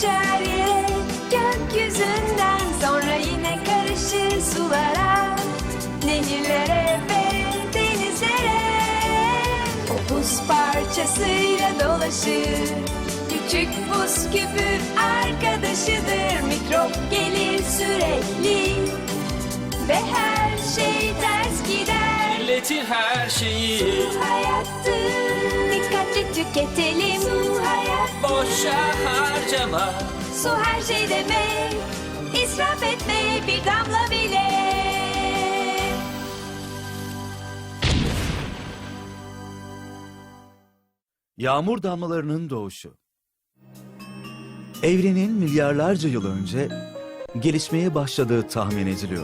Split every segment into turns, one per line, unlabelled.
düşer yere gökyüzünden, sonra yine karışır sulara, nehirlere ve denizlere. O buz parçasıyla dolaşır, küçük buz küpü arkadaşıdır. Mikrop gelir sürekli ve her şey ters gider.
Milletin her şeyi
Su hayattır, dikkatli tüketelim. Su hayat,
boşa harcama.
su her şey demek, israf etme bir damla bile.
Yağmur damlalarının doğuşu. Evrenin milyarlarca yıl önce gelişmeye başladığı tahmin ediliyor.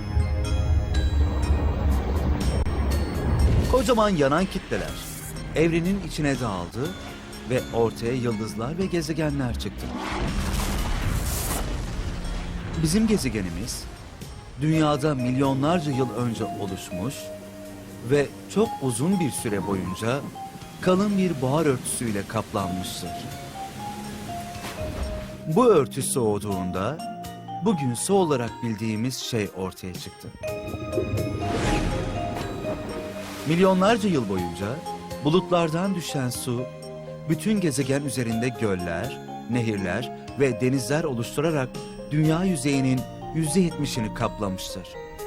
Kocaman yanan kitleler evrenin içine dağıldı ve ortaya yıldızlar ve gezegenler çıktı. Bizim gezegenimiz dünyada milyonlarca yıl önce oluşmuş ve çok uzun bir süre boyunca kalın bir buhar örtüsüyle kaplanmıştır. Bu örtü soğuduğunda bugün su olarak bildiğimiz şey ortaya çıktı. Milyonlarca yıl boyunca bulutlardan düşen su bütün gezegen üzerinde göller, nehirler ve denizler oluşturarak dünya yüzeyinin %70'ini kaplamıştır.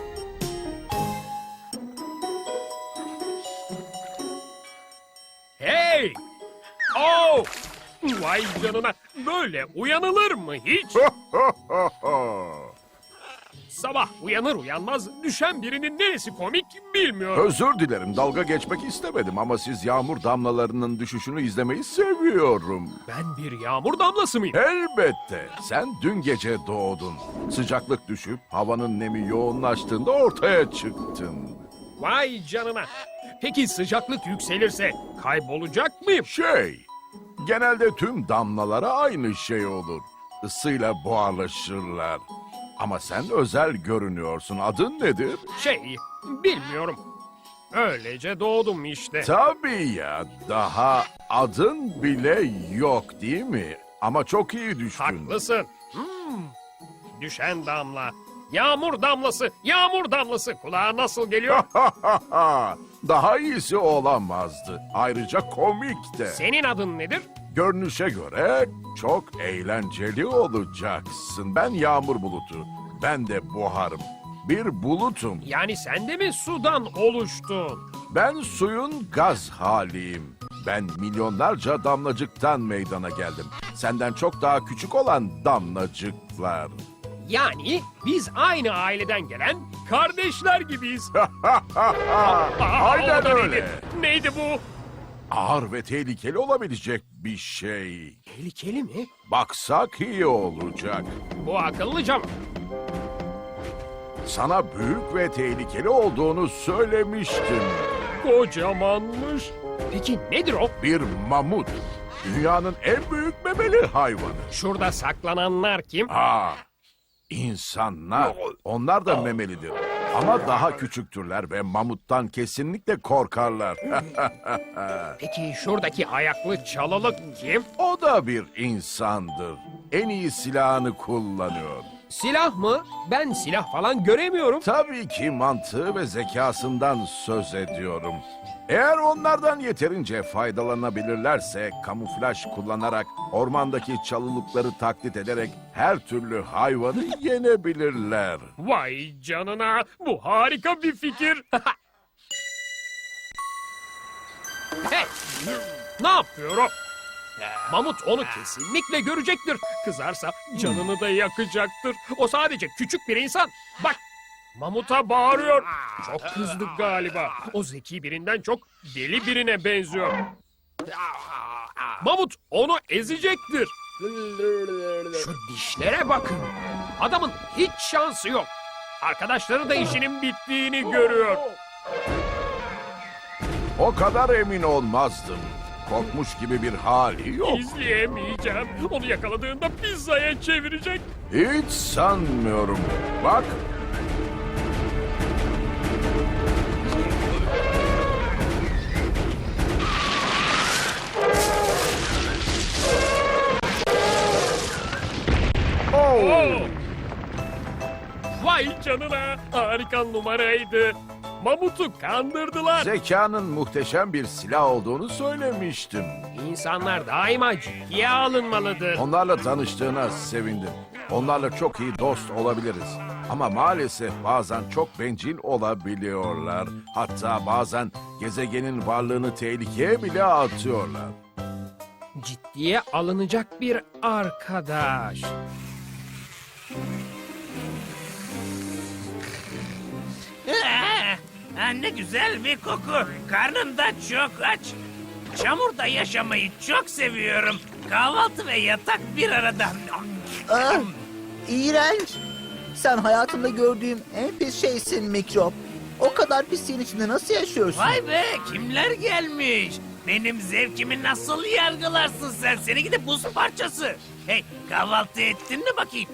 Hey! Oh! Vay canına, böyle uyanılır mı hiç? Sabah uyanır uyanmaz düşen birinin neresi komik bilmiyorum.
Özür dilerim, dalga geçmek istemedim ama siz yağmur damlalarının düşüşünü izlemeyi seviyorum.
Ben bir yağmur damlası mıyım?
Elbette, sen dün gece doğdun. Sıcaklık düşüp havanın nemi yoğunlaştığında ortaya çıktın.
Vay canına. Peki sıcaklık yükselirse kaybolacak mıyım?
Genelde tüm damlalara aynı şey olur. Isıyla buharlaşırlar. Ama sen özel görünüyorsun. Adın nedir?
Bilmiyorum. Öylece doğdum işte.
Tabii ya, daha adın bile yok değil mi? Ama çok iyi düştün.
Haklısın. Düşen damla. Yağmur damlası, yağmur damlası. Kulağa nasıl geliyor?
Daha iyisi olamazdı. Ayrıca komik de.
Senin adın nedir?
Görünüşe göre çok eğlenceli olacaksın. Ben yağmur bulutu. Ben de buharım. Bir bulutum.
Yani sen de mi sudan oluştun?
Ben suyun gaz haliyim. Ben milyonlarca damlacıktan meydana geldim. Senden çok daha küçük olan damlacıklar.
Yani biz aynı aileden gelen kardeşler gibiyiz.
Aynen
O da
öyle.
Neydi bu?
Ağır ve tehlikeli olabilecek bir şey.
Tehlikeli mi?
Baksak iyi olacak.
Bu akıllıca mı?
Sana büyük ve tehlikeli olduğunu söylemiştim.
Kocamanmış. Peki nedir o?
Bir mamut. Dünyanın en büyük memeli hayvanı.
Şurada saklananlar kim?
İnsanlar. Onlar da memelidir. Ama daha küçüktürler ve mamuttan kesinlikle korkarlar.
Peki şuradaki ayaklı çalılık kim?
O da bir insandır. En iyi silahını kullanıyor.
Silah mı? Ben silah falan göremiyorum.
Tabii ki mantığı ve zekasından söz ediyorum. Eğer onlardan yeterince faydalanabilirlerse kamuflaj kullanarak ormandaki çalılıkları taklit ederek her türlü hayvanı yenebilirler.
Vay canına, bu harika bir fikir. Hey, ne yapıyor o? Mamut onu kesinlikle görecektir. Kızarsa canını da yakacaktır. O sadece küçük bir insan. Bak, mamuta bağırıyor. Çok kızdı galiba. O zeki birinden çok deli birine benziyor. Mamut onu ezecektir. Şu dişlere bakın. Adamın hiç şansı yok. Arkadaşları da işinin bittiğini görüyor.
O kadar emin olmazdım. Korkmuş gibi bir hali yok.
İzleyemeyeceğim. Onu yakaladığında pizzaya çevirecek.
Hiç sanmıyorum. Bak.
canına. Harika numaraydı. Mamut'u kandırdılar.
Zekanın muhteşem bir silah olduğunu söylemiştim.
İnsanlar daima ciddiye alınmalıdır.
Onlarla tanıştığına sevindim. Onlarla çok iyi dost olabiliriz. Ama maalesef bazen çok bencil olabiliyorlar. Hatta bazen gezegenin varlığını tehlikeye bile atıyorlar.
Ciddiye alınacak bir arkadaş.
Ne güzel bir koku. Karnım da çok aç. Çamurda yaşamayı çok seviyorum. Kahvaltı ve yatak bir arada.
Ah, iğrenç. Sen hayatımda gördüğüm en pis şeysin mikrop. O kadar pisliğin içinde nasıl yaşıyorsun?
Vay be, kimler gelmiş? Benim zevkimi nasıl yargılarsın sen? Seni gidip buz parçası. Hey, kahvaltı ettin mi bakayım?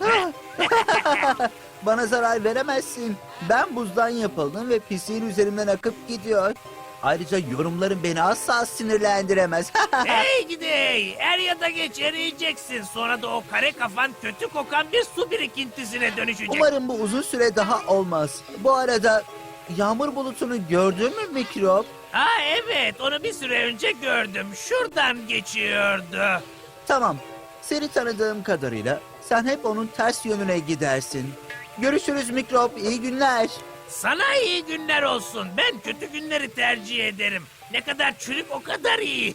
Bana zarar veremezsin. Ben buzdan yapıldım ve pisliğin üzerimden akıp gidiyor. Ayrıca yorumların beni asla sinirlendiremez.
Hey gidey, er ya da geç eriyeceksin. Sonra da o kare kafan kötü kokan bir su birikintisine dönüşecek.
Umarım bu uzun süre daha olmaz. Bu arada yağmur bulutunu gördün mü mikrop?
Ha evet, onu bir süre önce gördüm. Şuradan geçiyordu.
Tamam. Seni tanıdığım kadarıyla sen hep onun ters yönüne gidersin. Görüşürüz mikrop. İyi günler.
Sana iyi günler olsun. Ben kötü günleri tercih ederim. Ne kadar çürük o kadar iyi.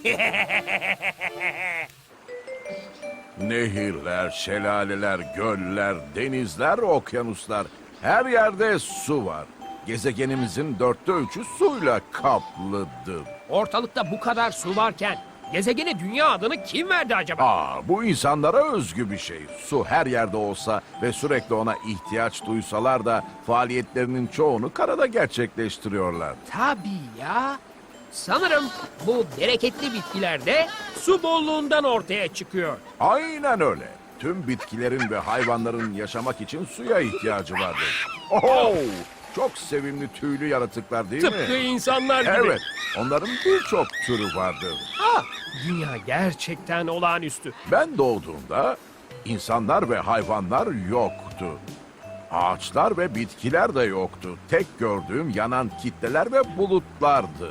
Nehirler, şelaleler, göller, denizler, okyanuslar. Her yerde su var. Gezegenimizin 3/4 suyla kaplıdır.
Ortalıkta bu kadar su varken gezegene dünya adını kim verdi acaba?
Bu insanlara özgü bir şey. Su her yerde olsa ve sürekli ona ihtiyaç duysalar da faaliyetlerinin çoğunu karada gerçekleştiriyorlar.
Tabii ya. Sanırım bu bereketli bitkiler de su bolluğundan ortaya çıkıyor.
Aynen öyle. Tüm bitkilerin ve hayvanların yaşamak için suya ihtiyacı vardır. Oho! Çok sevimli tüylü yaratıklar değil
Tıpkı
mi?
insanlar gibi.
Evet, onların birçok türü vardır.
Dünya gerçekten olağanüstü.
Ben doğduğumda insanlar ve hayvanlar yoktu. Ağaçlar ve bitkiler de yoktu. Tek gördüğüm yanan kitleler ve bulutlardı.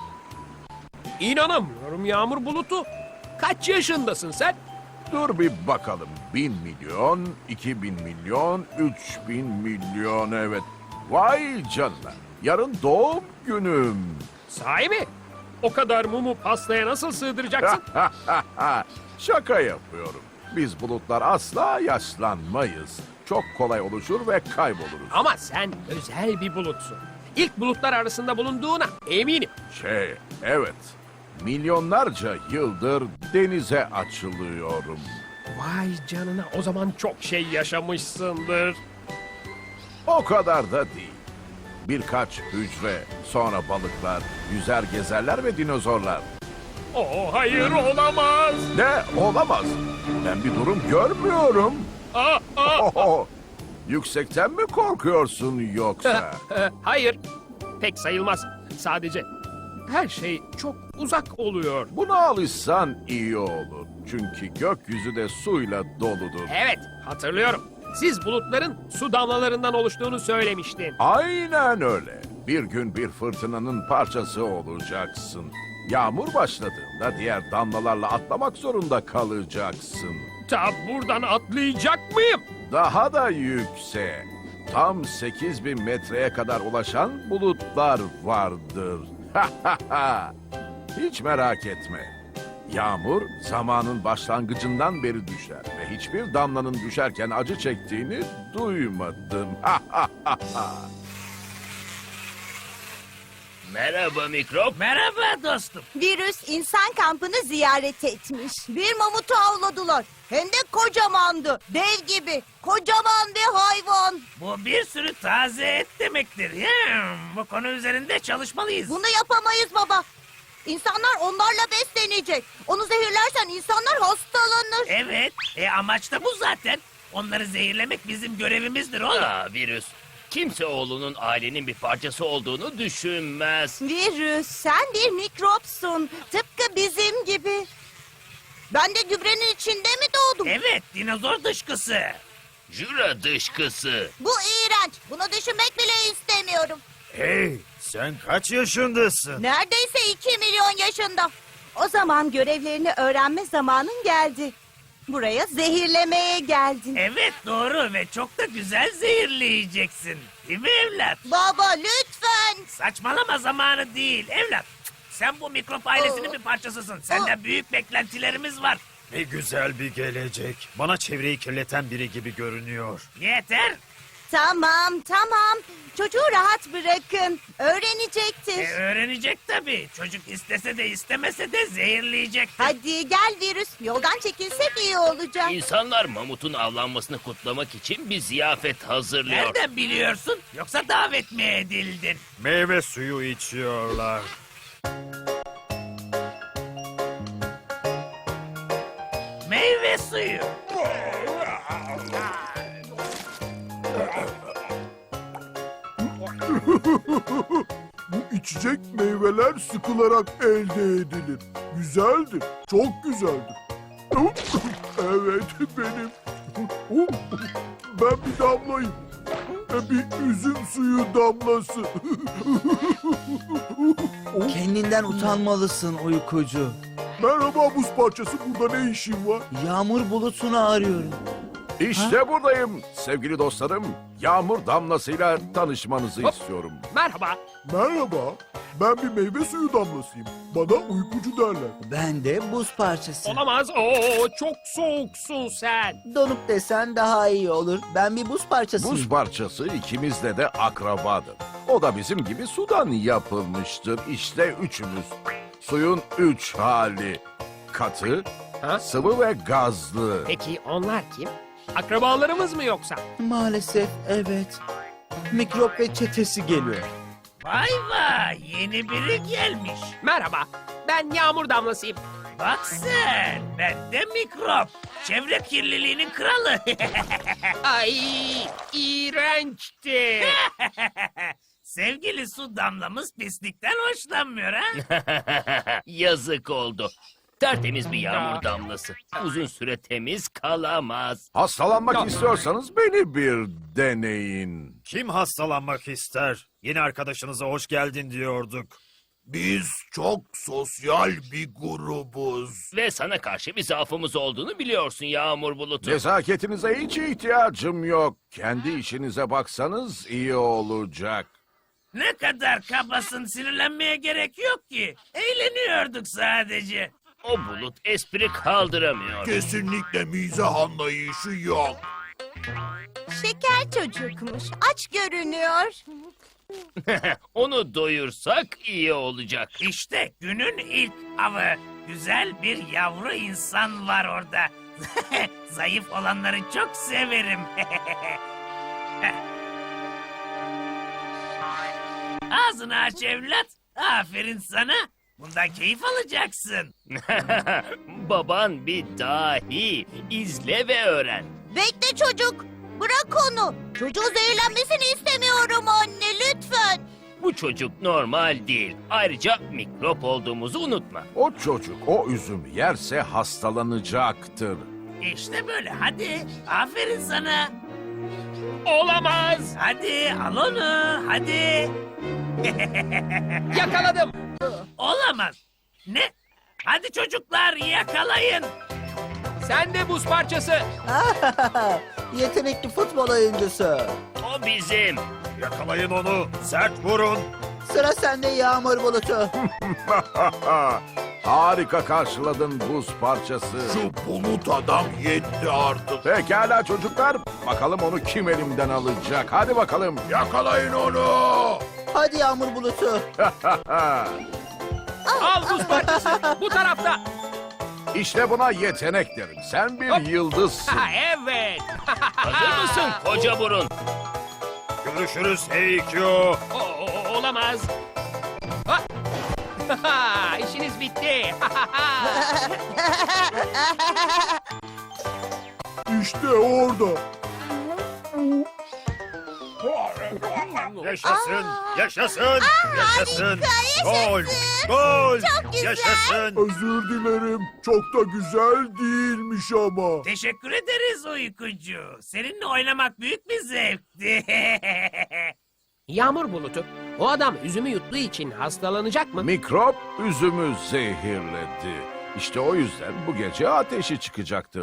İnanamıyorum Yağmur Bulutu. Kaç yaşındasın sen?
Dur bir bakalım. 1.000 milyon, 2.000 milyon, 3.000 milyon evet. Vay canına. Yarın doğum günüm.
Sahi mi? O kadar mumu pastaya nasıl sığdıracaksın?
Şaka yapıyorum. Biz bulutlar asla yaşlanmayız. Çok kolay oluşur ve kayboluruz.
Ama sen özel bir bulutsun. İlk bulutlar arasında bulunduğuna eminim.
Evet. Milyonlarca yıldır denize açılıyorum.
Vay canına, o zaman çok şey yaşamışsındır.
O kadar da değil. Birkaç hücre, sonra balıklar, yüzer gezerler ve dinozorlar.
Oh hayır, olamaz.
Ne? Olamaz. Ben bir durum görmüyorum. Oho, yüksekten mi korkuyorsun yoksa?
Hayır, pek sayılmaz. Sadece her şey çok uzak oluyor.
Buna alışsan iyi olur. Çünkü gökyüzü de suyla doludur.
Evet, hatırlıyorum. Siz bulutların su damlalarından oluştuğunu söylemiştin.
Aynen öyle. Bir gün bir fırtınanın parçası olacaksın. Yağmur başladığında diğer damlalarla atlamak zorunda kalacaksın.
Ta buradan atlayacak mıyım?
Daha da yükseğe. Tam 8.000 metreye kadar ulaşan bulutlar vardır. Hiç merak etme. Yağmur zamanın başlangıcından beri düşer ve hiçbir damlanın düşerken acı çektiğini duymadım.
Merhaba mikrop. Merhaba dostum.
Virüs insan kampını ziyaret etmiş. Bir mamutu avladılar. Hem de kocamandı. Dev gibi. Kocaman bir hayvan.
Bu bir sürü taze et demektir. Bu konu üzerinde çalışmalıyız.
Bunu yapamayız baba. İnsanlar onlarla beslenecek. Onu zehirlersen insanlar hastalanır.
Evet, amaç da bu zaten. Onları zehirlemek bizim görevimizdir oğlum.
Virüs. Kimse oğlunun ailenin bir parçası olduğunu düşünmez.
Virüs, sen bir mikropsun. Tıpkı bizim gibi. Ben de gübrenin içinde mi doğdum?
Evet, dinozor dışkısı.
Jüra dışkısı.
Bu iğrenç. iğrenç. Bunu düşünmek bile istemiyorum.
Hey, sen kaç yaşındasın?
Neredeyse 2 milyon yaşında. O zaman görevlerini öğrenme zamanın geldi. Buraya zehirlemeye geldin.
Evet doğru ve çok da güzel zehirleyeceksin. Değil mi evlat?
Baba lütfen.
Saçmalama zamanı değil evlat. Sen bu mikrop ailesinin bir parçasısın. Senden büyük beklentilerimiz var.
Ne güzel bir gelecek. Bana çevreyi kirleten biri gibi görünüyor.
Yeter.
Tamam. Çocuğu rahat bırakın. Öğrenecektir.
Öğrenecek tabii. Çocuk istese de istemese de zehirleyecek.
Hadi gel virüs. Yoldan çekilsek iyi olacak.
İnsanlar mamutun avlanmasını kutlamak için bir ziyafet hazırlıyor.
Nereden biliyorsun? Yoksa davet mi edildin?
Meyve suyu içiyorlar.
Meyve suyu.
Bu içecek meyveler sıkılarak elde edilir. Güzeldir, çok güzeldir. Evet, benim. Ben bir damlayım. Bir üzüm suyu damlası.
Kendinden utanmalısın uykucu.
Merhaba buz parçası, burada ne işin var?
Yağmur bulutunu arıyorum.
İşte buradayım sevgili dostlarım. Yağmur damlasıyla tanışmanızı
Hop.
istiyorum.
Merhaba.
Merhaba, ben bir meyve suyu damlasıyım. Bana uykucu derler.
Ben de buz parçası.
Olamaz. Oo, çok soğuksun sen.
Donuk desen daha iyi olur. Ben bir buz parçasıyım.
Buz parçası ikimizle de akrabadır. O da bizim gibi sudan yapılmıştır. İşte üçümüz. Suyun 3 hali. Katı,
Ha?
sıvı ve gazlı.
Peki onlar kim? Akrabalarımız mı yoksa?
Maalesef evet. Mikrop ve çetesi geliyor.
Vay vay yeni biri gelmiş.
Merhaba. Ben Yağmur Damlasıyım.
Bak sen ben de mikrop. Çevre kirliliğinin kralı.
Ay, iğrençti.
Sevgili su damlamız pislikten hoşlanmıyor ha?
Yazık oldu. Tertemiz bir yağmur damlası. Uzun süre temiz kalamaz.
Hastalanmak istiyorsanız beni bir deneyin.
Kim hastalanmak ister? Yeni arkadaşınıza hoş geldin diyorduk.
Biz çok sosyal bir grubuz.
Ve sana karşı bir zaafımız olduğunu biliyorsun Yağmur Bulutu.
Nezaketinize hiç ihtiyacım yok. Kendi işinize baksanız iyi olacak.
Ne kadar kabasın sinirlenmeye gerek yok ki. Eğleniyorduk sadece.
O bulut espri kaldıramıyor.
Kesinlikle mizah anlayışı yok.
Şeker çocukmuş. Aç görünüyor.
Onu doyursak iyi olacak.
İşte günün ilk avı. Güzel bir yavru insan var orada. Zayıf olanları çok severim. Ağzını aç evlat. Aferin sana. Bundan keyif alacaksın.
Baban bir dahi. İzle ve öğren.
Bekle çocuk. Bırak onu. Çocuğun zehirlenmesini istemiyorum anne lütfen.
Bu çocuk normal değil. Ayrıca mikrop olduğumuzu unutma.
O çocuk o üzümü yerse hastalanacaktır.
İşte böyle hadi. Aferin sana.
Olamaz.
Hadi al onu. Hadi.
Yakaladım.
Olamaz. Ne? Hadi çocuklar yakalayın.
Sen de buz parçası.
Yetenekli futbol oyuncusu.
O bizim.
Yakalayın onu, sert vurun.
Sıra sende Yağmur Bulutu.
Harika karşıladın buz parçası.
Şu bulut adam yetti artık.
Pekala çocuklar. Bakalım onu kim elimden alacak. Hadi bakalım.
Yakalayın onu.
Hadi Yağmur Bulutu.
Al buz parçası. Bu tarafta.
İşte buna yetenek derim. Sen bir yıldızsın.
Ha, evet.
Hazır mısın koca burun?
Görüşürüz Heykyo.
Olamaz. Ha. İşiniz bitti.
İşte orada.
Yaşasın, yaşasın, yaşasın. Gol,
yaşasın.
gol,
Çok güzel.
yaşasın.
Özür dilerim. Çok da güzel değilmiş ama.
Teşekkür ederiz uykucu. Seninle oynamak büyük bir zevkti.
Yağmur bulutu. O adam üzümü yuttuğu için hastalanacak mı?
Mikrop üzümü zehirledi. İşte o yüzden bu gece ateşi çıkacaktır.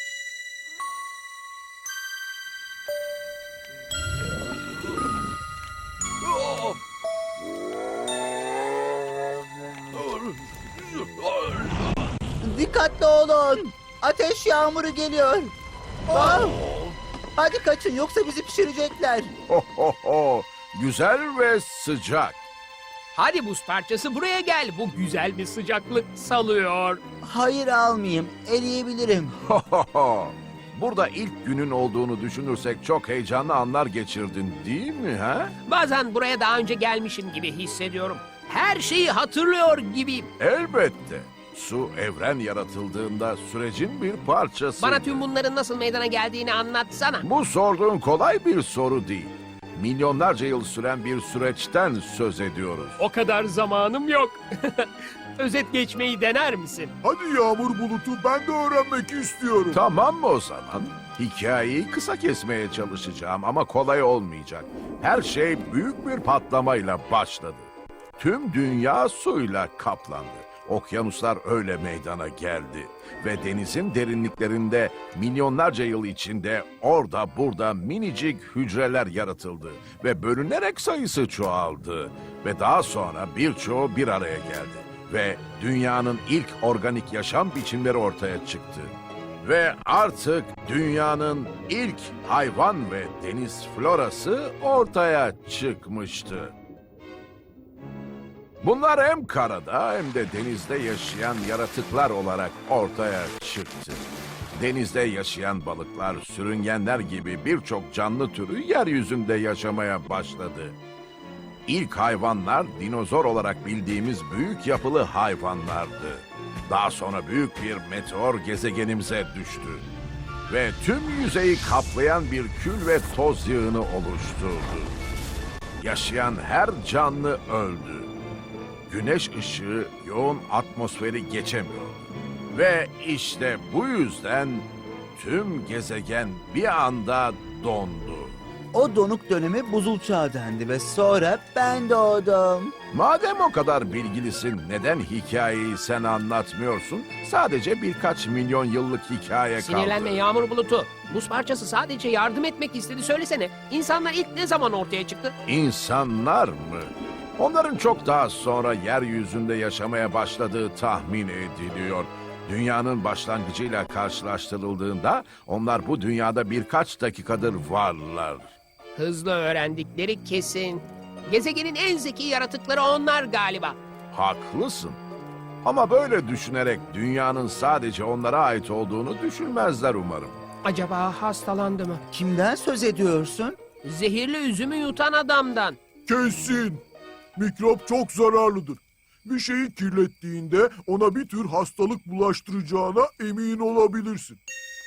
Dikkatli olun. Ateş yağmuru geliyor. Aa! Hadi kaçın yoksa bizi pişirecekler.
Ho ho ho. Güzel ve sıcak.
Hadi buz parçası buraya gel. Bu güzel bir sıcaklık salıyor.
Hayır almayayım. Eriyebilirim.
Ho ho ho. Burada ilk günün olduğunu düşünürsek çok heyecanlı anlar geçirdin değil mi ha?
Bazen buraya daha önce gelmişim gibi hissediyorum. Her şeyi hatırlıyor gibiyim.
Elbette. Su evren yaratıldığında sürecin bir parçası.
Bana tüm bunların nasıl meydana geldiğini anlatsana.
Bu sorduğun kolay bir soru değil. Milyonlarca yıl süren bir süreçten söz ediyoruz.
O kadar zamanım yok. Özet geçmeyi dener misin?
Hadi yağmur bulutu, ben de öğrenmek istiyorum.
Tamam mı o zaman? Hikayeyi kısa kesmeye çalışacağım ama kolay olmayacak. Her şey büyük bir patlamayla başladı. Tüm dünya suyla kaplandı. Okyanuslar öyle meydana geldi. Ve denizin derinliklerinde milyonlarca yıl içinde orada burada minicik hücreler yaratıldı. Ve bölünerek sayısı çoğaldı. Ve daha sonra birçoğu bir araya geldi. Ve dünyanın ilk organik yaşam biçimleri ortaya çıktı. Ve artık dünyanın ilk hayvan ve deniz florası ortaya çıkmıştı. Bunlar hem karada hem de denizde yaşayan yaratıklar olarak ortaya çıktı. Denizde yaşayan balıklar, sürüngenler gibi birçok canlı türü yeryüzünde yaşamaya başladı. İlk hayvanlar dinozor olarak bildiğimiz büyük yapılı hayvanlardı. Daha sonra büyük bir meteor gezegenimize düştü. Ve tüm yüzeyi kaplayan bir kül ve toz yığını oluşturdu. Yaşayan her canlı öldü. Güneş ışığı yoğun atmosferi geçemiyordu. Ve işte bu yüzden tüm gezegen bir anda dondu.
O donuk döneme buzul çağı dendi ve sonra ben doğdum.
Madem o kadar bilgilisin, neden hikayeyi sen anlatmıyorsun? Sadece birkaç milyon yıllık hikaye kaldı.
Sinirlenme yağmur bulutu. Buz parçası sadece yardım etmek istedi. Söylesene. İnsanlar ilk ne zaman ortaya çıktı?
İnsanlar mı? Onların çok daha sonra yeryüzünde yaşamaya başladığı tahmin ediliyor. Dünyanın başlangıcıyla karşılaştırıldığında onlar bu dünyada birkaç dakikadır varlar.
Hızlı öğrendikleri kesin. Gezegenin en zeki yaratıkları onlar galiba.
Haklısın. Ama böyle düşünerek dünyanın sadece onlara ait olduğunu düşünmezler umarım.
Acaba hastalandı mı?
Kimden söz ediyorsun?
Zehirli üzümü yutan adamdan.
Kesin. Mikrop çok zararlıdır. Bir şeyi kirlettiğinde ona bir tür hastalık bulaştıracağına emin olabilirsin.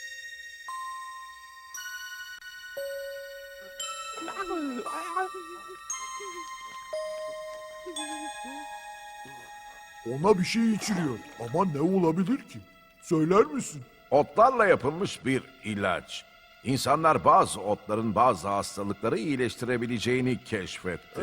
Ona bir şey içiriyor ama ne olabilir ki? Söyler misin?
Otlarla yapılmış bir ilaç. İnsanlar bazı otların bazı hastalıkları iyileştirebileceğini keşfetti.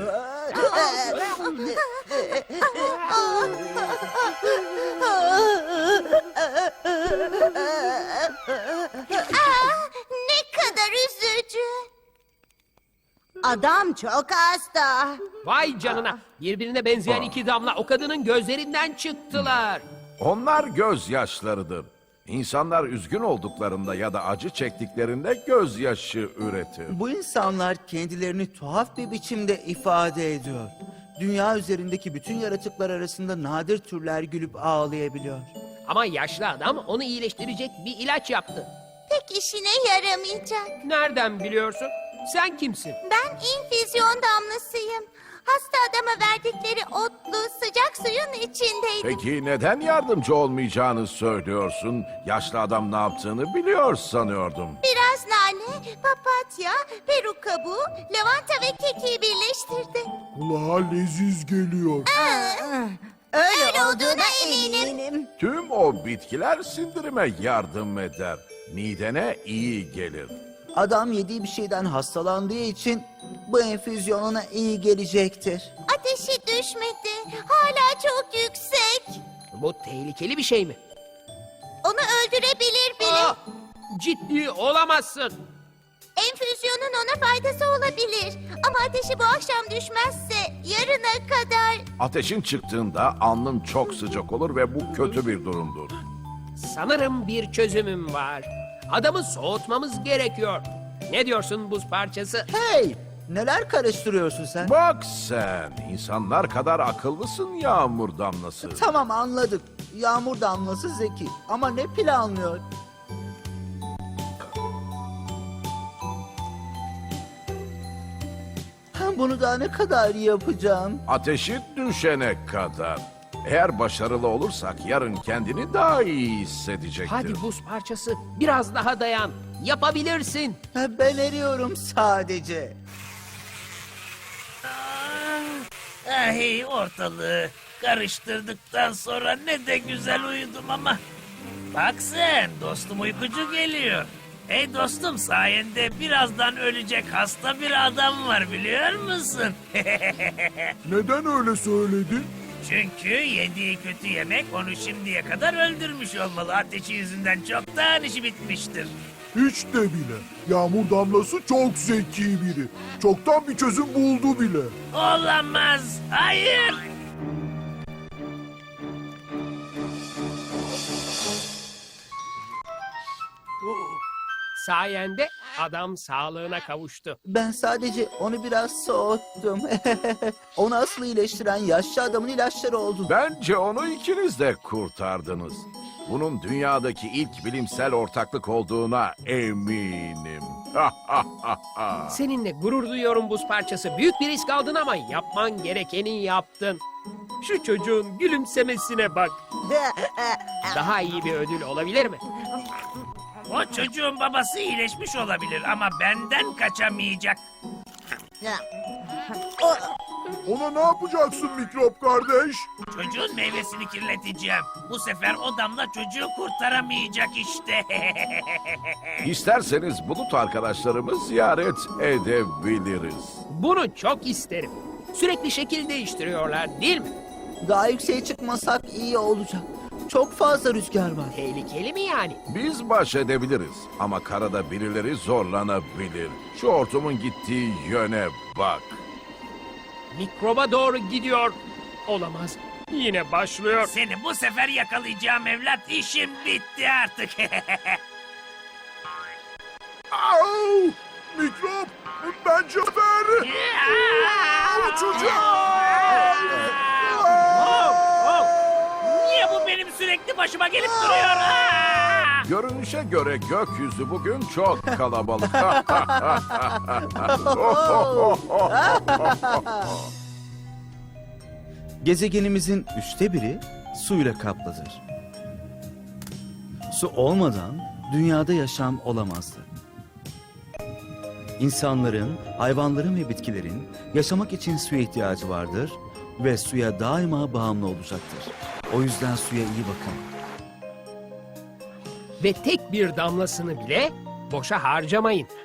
Ne kadar üzücü. Adam çok hasta.
Vay canına. Birbirine benzeyen iki damla o kadının gözlerinden çıktılar.
Onlar gözyaşlarıdır. İnsanlar üzgün olduklarında ya da acı çektiklerinde gözyaşı üretir.
Bu insanlar kendilerini tuhaf bir biçimde ifade ediyor. Dünya üzerindeki bütün yaratıklar arasında nadir türler gülüp ağlayabiliyor.
Ama yaşlı adam onu iyileştirecek bir ilaç yaptı.
Pek işine yaramayacak.
Nereden biliyorsun? Sen kimsin?
Ben infüzyon damlasıyım. Hasta adama verdikleri otlu sıcak suyun içindeydim.
Peki neden yardımcı olmayacağını söylüyorsun? Yaşlı adam ne yaptığını biliyor sanıyordum.
Biraz nane, papatya, peruk kabuğu, lavanta ve kekiği birleştirdi.
Kulağa leziz geliyor.
Öyle olduğuna eminim.
Tüm o bitkiler sindirime yardım eder. Midene iyi gelir.
Adam yediği bir şeyden hastalandığı için bu enfüzyon ona iyi gelecektir.
Ateşi düşmedi. Hala çok yüksek.
Bu tehlikeli bir şey mi?
Onu öldürebilir bile.
Aa, ciddi olamazsın.
Enfüzyonun ona faydası olabilir. Ama ateşi bu akşam düşmezse yarına kadar...
Ateşin çıktığında alnın çok sıcak olur ve bu kötü bir durumdur.
Sanırım bir çözümüm var. Adamı soğutmamız gerekiyor. Ne diyorsun buz parçası?
Hey, neler karıştırıyorsun sen?
Bak sen, insanlar kadar akıllısın yağmur damlası.
Tamam anladık. Yağmur damlası zeki ama ne planlıyor? Bunu daha ne kadar yapacağım?
Ateşi düşene kadar. Eğer başarılı olursak yarın kendini daha iyi hissedecektir.
Hadi buz parçası biraz daha dayan. Yapabilirsin.
Ben eriyorum sadece.
Hey ortalığı karıştırdıktan sonra ne de güzel uyudum ama. Bak sen dostum uykucu geliyor. Hey dostum sayende birazdan ölecek hasta bir adam var biliyor musun?
Neden öyle söyledin?
Çünkü yediği kötü yemek onu şimdiye kadar öldürmüş olmalı. Ateşi yüzünden çoktan işi bitmiştir.
Hiç de bile. Yağmur damlası çok zeki biri. Çoktan bir çözüm buldu bile.
Olamaz. Hayır.
Sayende adam sağlığına kavuştu.
Ben sadece onu biraz soğuttum. Onu asıl iyileştiren yaşlı adamın ilaçları oldu.
Bence onu ikiniz de kurtardınız. Bunun dünyadaki ilk bilimsel ortaklık olduğuna eminim.
Seninle gurur duyuyorum buz parçası. Büyük bir risk aldın ama yapman gerekeni yaptın. Şu çocuğun gülümsemesine bak. Daha iyi bir ödül olabilir mi?
O çocuğun babası iyileşmiş olabilir ama benden kaçamayacak.
Ona ne yapacaksın mikrop kardeş?
Çocuğun meyvesini kirleteceğim. Bu sefer o damla çocuğu kurtaramayacak işte.
İsterseniz bulut arkadaşlarımı ziyaret edebiliriz.
Bunu çok isterim. Sürekli şekil değiştiriyorlar değil mi?
Daha yükseğe çıkmasak iyi olacak. Çok fazla rüzgar var.
Tehlikeli mi yani?
Biz baş edebiliriz ama karada birileri zorlanabilir. Şu hortumun gittiği yöne bak.
Mikroba doğru gidiyor. Olamaz. Yine başlıyor.
Seni bu sefer yakalayacağım evlat. İşim bitti artık.
Au! Mikrop! Ben Cafer!
Niye bu benim sürekli başıma gelip duruyor?
Görünüşe göre gökyüzü bugün çok kalabalık.
Gezegenimizin 1/3 suyla kaplıdır. Su olmadan dünyada yaşam olamazdı. İnsanların, hayvanların ve bitkilerin yaşamak için suya ihtiyacı vardır ve suya daima bağımlı olacaktır. O yüzden suya iyi bakın.
Ve tek bir damlasını bile boşa harcamayın.